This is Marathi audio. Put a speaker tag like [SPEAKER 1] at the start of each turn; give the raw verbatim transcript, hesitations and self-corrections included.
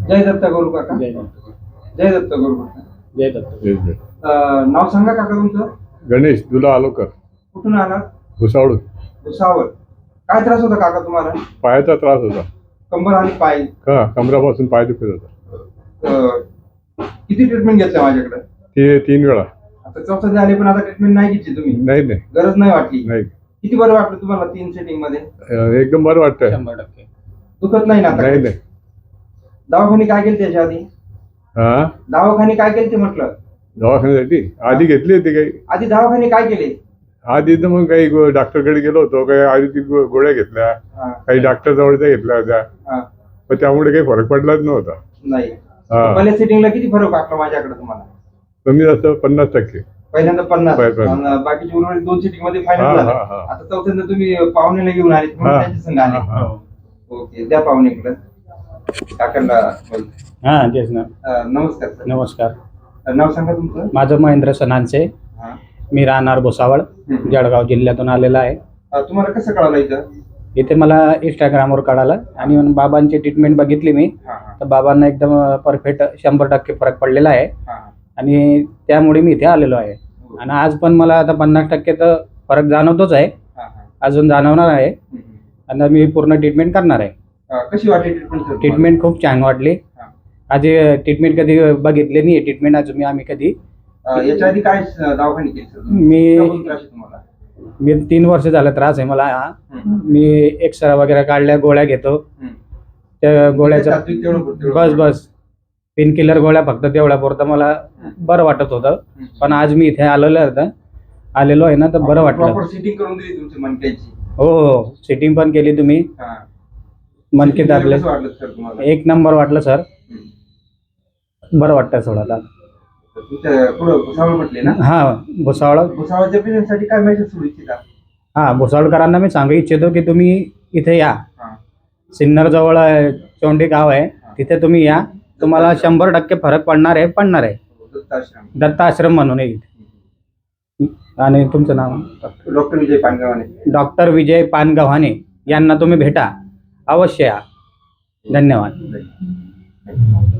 [SPEAKER 1] जय दत्त गुरु काका.
[SPEAKER 2] जय दत्त
[SPEAKER 1] जय दत्त गुरु काका.
[SPEAKER 2] जय दत्त.
[SPEAKER 3] जय जय.
[SPEAKER 1] अं, नाव सांगा काका तुमचं.
[SPEAKER 3] गणेश दुला आलोकर,
[SPEAKER 1] कुठून आलात.
[SPEAKER 3] भुसावळ.
[SPEAKER 1] भुसावळ. काय त्रास होता काका तुम्हाला.
[SPEAKER 3] पायाचा त्रास होता.
[SPEAKER 1] कंबर आणि पाय.
[SPEAKER 3] हा, कमरापासून पाय दुखत होता.
[SPEAKER 1] अं, किती ट्रीटमेंट घेतल्या माझ्याकडे.
[SPEAKER 3] ते तीन वेळा.
[SPEAKER 1] आता चौथा झाले पण आता ट्रीटमेंट नाही घेतली तुम्ही.
[SPEAKER 3] नाही नाही
[SPEAKER 1] गरज नाही वाटली.
[SPEAKER 3] नाही.
[SPEAKER 1] किती बरं वाटलं तुम्हाला तीन सेटिंग मध्ये.
[SPEAKER 3] अं, एकदम बरं वाटतंय.
[SPEAKER 2] शंभर टक्के
[SPEAKER 1] दुखत नाही ना आता.
[SPEAKER 3] नाही नाही.
[SPEAKER 1] दवाखाने काय केले त्याच्या आधी.
[SPEAKER 3] हा,
[SPEAKER 1] दवाखाने काय केले ते म्हटलं.
[SPEAKER 3] दवाखान्यासाठी आधी घेतली होती काही.
[SPEAKER 1] आधी दवाखाने काय केले.
[SPEAKER 3] आधी तर मग काही गो- डॉक्टरकडे गेलो होतो, काही आयुर्वेदिक गो- गोळ्या घेतल्या,
[SPEAKER 1] हा,
[SPEAKER 3] काही डॉक्टर जवळच्या घेतल्या होत्या,
[SPEAKER 1] हा.
[SPEAKER 3] पण त्यामुळे काही फरक पडलाच नव्हता.
[SPEAKER 1] नाही.
[SPEAKER 3] हा,
[SPEAKER 1] पहिल्या सेटिंगला किती फरक वाटला माझ्याकडे तुम्हाला.
[SPEAKER 3] कमी जास्त पन्नास टक्के.
[SPEAKER 1] पहिल्यांदा पन्नास
[SPEAKER 3] पै- पै-
[SPEAKER 1] आणि बाकीची उर्वरित दोन सिटिंग मध्ये
[SPEAKER 3] हा
[SPEAKER 1] फायनल झाला.
[SPEAKER 3] हा हा
[SPEAKER 1] आता चौथ्यांदा तुम्ही पाहुण्याला घेऊन आले म्हणून
[SPEAKER 3] हा.
[SPEAKER 1] त्यांच्या संग आले.
[SPEAKER 3] हा.
[SPEAKER 1] ओके, द्या पाहुण्याकडे. काकांना बोल.
[SPEAKER 2] हा तेच ना.
[SPEAKER 1] अं, नमस्कार सर.
[SPEAKER 2] नमस्कार.
[SPEAKER 1] अं, नाव सांगा तुमचं.
[SPEAKER 2] माझं महेंद्र सनांचे.
[SPEAKER 1] हा.
[SPEAKER 2] मी राहणार भुसावळ,
[SPEAKER 1] हम्म.
[SPEAKER 2] जळगाव जिल्ह्यातून आलेला आहे.
[SPEAKER 1] अं, तुम्हाला कसं कळालं इथं.
[SPEAKER 2] इथे मला इंस्टाग्रामवर कळालं आणि मग बाबांची ट्रीटमेंट बघितली मी.
[SPEAKER 1] हा, हा,
[SPEAKER 2] तर बाबांना एकदम परफेक्ट शंभर टक्के फरक पडलेला आहे
[SPEAKER 1] हा,
[SPEAKER 2] आणि त्यामुळे मी इथे आलेलो आहे. आणि आज पण मला आता पन्नास टक्के तर फरक जाणवतोच आहे,
[SPEAKER 1] हा, हा.
[SPEAKER 2] अजून जाणवणार आहे
[SPEAKER 1] हम्म.
[SPEAKER 2] आणि मी पूर्ण ट्रीटमेंट करणार आहे.
[SPEAKER 1] अं, कशी वाटली ट्रीटमेंट सर.
[SPEAKER 2] ट्रीटमेंट खूप छान वाटली.
[SPEAKER 1] हा.
[SPEAKER 2] आधी ट्रीटमेंट कधी बघितली नाही, ट्रीटमेंट अजून आम्ही कधी.
[SPEAKER 1] याच्या आधी काय अं, दवाखाने केले सर.
[SPEAKER 2] मी
[SPEAKER 1] कशाबद्दल त्रास आहे तुम्हाला.
[SPEAKER 2] मी तीन वर्ष झालं त्रास आहे मला.
[SPEAKER 1] हम्म.
[SPEAKER 2] मी एक्सरा वगैरे काढल्या, गोळ्या घेतो.
[SPEAKER 1] हम्म.
[SPEAKER 2] त्या गोळ्याचा
[SPEAKER 1] तात्विक तेवढं- तेवढं-
[SPEAKER 2] बस बस पेन किलर गोळ्या फक्त तेवढ्या पुरतं मला बरं वाटत होतं.
[SPEAKER 1] हम्म.
[SPEAKER 2] पण आज मी इथे आलेलो आहे तर आलेलो आहे ना तर बरं वाटलं.
[SPEAKER 1] प्रॉपर सिटिंग करून दिली तुमची मणक्याची.
[SPEAKER 2] हो हो, सिटिंग पण केली तुम्ही.
[SPEAKER 1] हा.
[SPEAKER 2] मनके
[SPEAKER 1] Sitting
[SPEAKER 2] दाबले.
[SPEAKER 1] कसं वाटलं सर तुम्हाला.
[SPEAKER 2] एक नंबर वाटलं सर.
[SPEAKER 1] हम्म.
[SPEAKER 2] बरं वाटतं थोडं आता.
[SPEAKER 1] तुमच्या पुढं भुसावळ म्हटले ना.
[SPEAKER 2] हा, भुसावळ.
[SPEAKER 1] भुसावळच्या पेशंटसाठी काय मेसेज सोडू इच्छिता.
[SPEAKER 2] हा, भुसावळकरांना मी सांगू इच्छितो की तुम्ही इथे या.
[SPEAKER 1] हा.
[SPEAKER 2] सिन्नर जवळ आहे, चोंडी गाव आहे, तिथे तुम्ही या. तुम्हाला शंभर टक्के फरक पडणार आहे पडणार आहे
[SPEAKER 1] दत्ताश्रम.
[SPEAKER 2] दत्त आश्रम म्हणून आहे. आणि तुमचं नाव.
[SPEAKER 1] डॉक्टर विजय पानगावाने.
[SPEAKER 2] डॉक्टर विजय पानगव्हाणे यांना तुम्ही भेटा, अवश्य या. धन्यवाद.